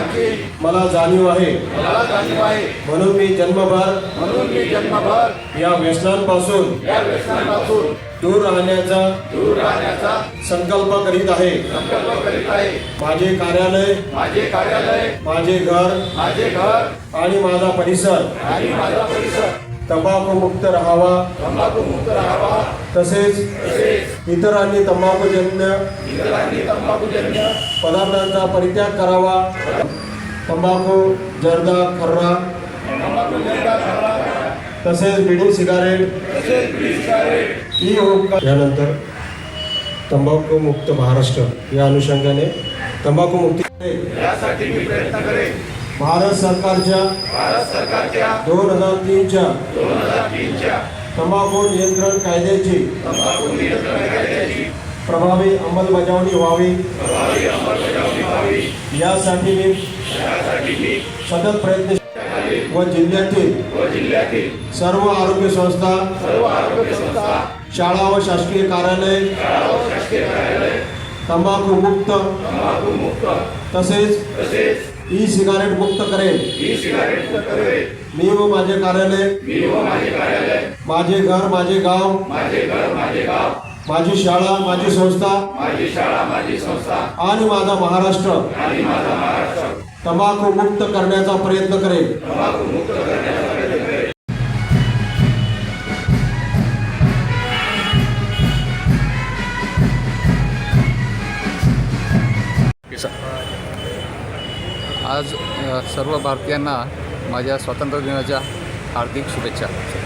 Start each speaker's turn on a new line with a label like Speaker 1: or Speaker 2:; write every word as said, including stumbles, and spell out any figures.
Speaker 1: याची
Speaker 2: मला जाणीव आहे,
Speaker 1: मला जाणीव आहे.
Speaker 2: म्हणून मी जन्मभर
Speaker 1: म्हणून मी जन्मभर
Speaker 2: या व्यसनांपासून
Speaker 1: या व्यसनापासून
Speaker 2: दूर राहण्याचा
Speaker 1: दूर राहण्याचा
Speaker 2: संकल्प करीत आहे.
Speaker 1: संकल्प करीत आहे.
Speaker 2: माझे कार्यालय,
Speaker 1: माझे कार्यालय,
Speaker 2: माझे घर
Speaker 1: माझे घर
Speaker 2: आणि माझा परिसर
Speaker 1: आणि माझा परिसर
Speaker 2: तंबाखूमुक्त राहावा,
Speaker 1: तंबाखूमुक्त राहावा.
Speaker 2: तसेच
Speaker 1: तसेच
Speaker 2: इतरांनी तंबाखूजन्य
Speaker 1: इतरांनी तंबाखूजन्य
Speaker 2: पदार्थांचा परित्याग करावा. तंबाखू, जर्दा, खर्रा
Speaker 1: तंबाखूजन्य खर्रा
Speaker 2: तसेच बिडी, सिगारेट,
Speaker 1: तसेच बीडी, सिगारेट
Speaker 2: ई हुक्का यानंतर तंबाखूमुक्त महाराष्ट्र या अनुषंगाने तंबाखूमुक्ती
Speaker 1: यासाठी मी प्रयत्न करेन.
Speaker 2: भारत सरकारच्या
Speaker 1: भारत सरकारच्या
Speaker 2: दोन हजार तीनच्या
Speaker 1: दोन हजार तीनच्या
Speaker 2: तंबाखू नियंत्रण कायद्याची
Speaker 1: तंबाखू नियंत्रण कायद्याची
Speaker 2: प्रभावी अंमलबजावणी व्हावी
Speaker 1: प्रभावी अंमलबजावणी व्हावी
Speaker 2: यासाठी मी
Speaker 1: यासाठी मी
Speaker 2: सतत प्रयत्न व जिल्ह्यातील
Speaker 1: व जिल्ह्यातील
Speaker 2: सर्व आरोग्य संस्था,
Speaker 1: सर्व आरोग्य संस्था,
Speaker 2: शाळा व शासकीय कार्यालय
Speaker 1: शाळा व शासकीय कार्यालय
Speaker 2: तंबाखू मुक्त
Speaker 1: तंबाखू मुक्त
Speaker 2: तसेच
Speaker 1: तसेच
Speaker 2: ई सिगारेट मुक्त करेल.
Speaker 1: ई सिगारेट मुक्त करेल.
Speaker 2: मी व माझे कार्यालय,
Speaker 1: मी व माझे कार्यालय,
Speaker 2: माझे घर, माझे गाव,
Speaker 1: माझे घर, माझे गाव,
Speaker 2: माझी शाळा, माझी संस्था
Speaker 1: माझी शाळा, माझी संस्था
Speaker 2: आणि माझा महाराष्ट्र
Speaker 1: आणि माझा महाराष्ट्र
Speaker 2: तंबाखू मुक्त करण्याचा प्रयत्न करेल.
Speaker 1: तंबाखू मुक्त करण्याचा प्रयत्न करेल.
Speaker 3: आज अ, सर्व भारतीयांना माझ्या स्वातंत्र्य दिनाच्या हार्दिक शुभेच्छा.